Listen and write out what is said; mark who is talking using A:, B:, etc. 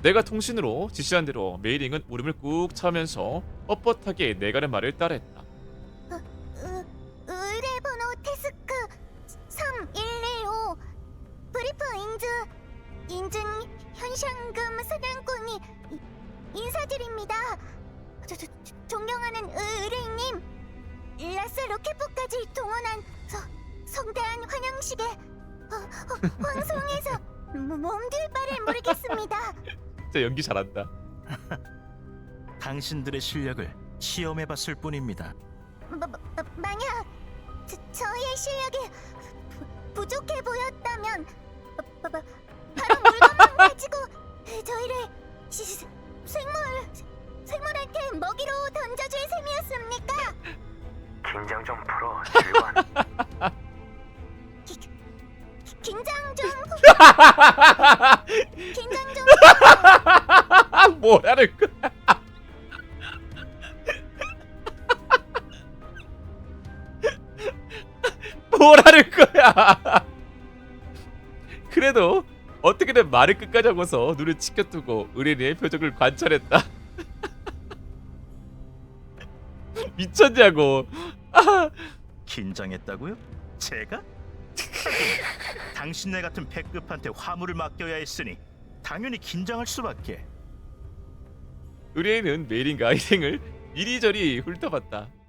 A: 내가 통신으로 지시한 대로 메이링은 울음을 꾹 참으면서 뻣뻣하게 내가는 말을 따라했다.
B: 의뢰 번호 테스크 3115 브리프 인증 현상금 사냥꾼이 인사드립니다. 존경하는 의뢰인님, 라스 로켓포까지 동원한 성대한 환영식에 황송해서 몸둘 바를 모르겠습니다.
A: 진짜 연기 잘한다.
C: 당신들의 실력을 시험해봤을 뿐입니다.
B: 만약 저희의 실력이 부족해 보였다면 바로 물건만 가지고 저희를 생물한테 먹이로 던져줄 셈이었습니까?
D: 긴장 좀 풀어, 실관.
B: 긴장 좀
A: 뭐라는 거야? 뭐라는 거야? 그래도 어떻게든 말을 끝까지 하고서 눈을 치켜두고 의뢰인의 표정을 관찰했다. 미쳤냐고.
C: 긴장했다고요? 제가? 당신네 같은 패급한테 화물을 맡겨야 했으니 당연히 긴장할 수밖에.
A: 의뢰인은 메일인가 일행을 이리저리 훑어봤다.